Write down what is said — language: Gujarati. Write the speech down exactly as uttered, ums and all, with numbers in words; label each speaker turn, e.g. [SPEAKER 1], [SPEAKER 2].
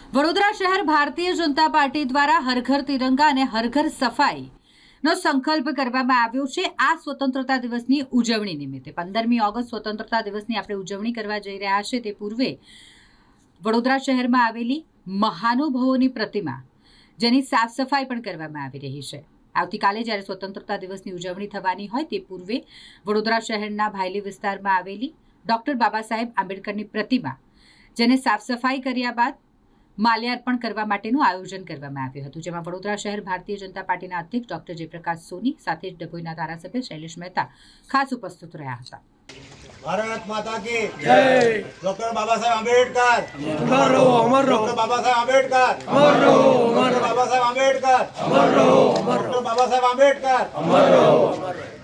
[SPEAKER 1] વડોદરા શહેર ભારતીય જનતા પાર્ટી દ્વારા હર ઘર તિરંગા અને હર ઘર સફાઈ નો સંકલ્પ કરવામાં આવ્યો છે। આ સ્વતંત્રતા દિવસની ઉજવણી નિમિત્તે પંદરમી ઓગસ્ટ સ્વતંત્રતા દિવસની આપણે ઉજવણી કરવા જઈ રહ્યા છે। તે પૂર્વે વડોદરા શહેરમાં આવેલી મહાનુભાવોની પ્રતિમા જેની સાફ સફાઈ પણ કરવામાં આવી રહી છે। આવતીકાલે જ્યારે સ્વતંત્રતા દિવસની ઉજવણી થવાની હોય તે પૂર્વે વડોદરા શહેરના ભાયલી વિસ્તારમાં આવેલી ડોક્ટર બાબા સાહેબ આંબેડકરની પ્રતિમા જેને સાફ સફાઈ કર્યા બાદ માલ્યાર્પણ કરવા માટેનું આયોજન કરવામાં આવ્યું હતું, જેમાં વડોદરા શહેર ભારતીય જનતા પાર્ટીના અધ્યક્ષ ડોક્ટર જયપ્રકાશ સોની સાથે જ ડભોઈના ધારાસભ્ય શૈલેષ મહેતા ખાસ ઉપસ્થિત રહ્યા હતા।
[SPEAKER 2] भारत माता की जय। डॉक्टर बाबा साहेब आंबेडकर अमर रहो, अमर रहो। डॉक्टर बाबा साहेब आंबेडकर अमर रहो, अमर रहो। बाबा साहेब आंबेडकर अमर रहो, अमर रहो। डॉक्टर बाबा साहेब आंबेडकर अमर रहो, अमर रहो।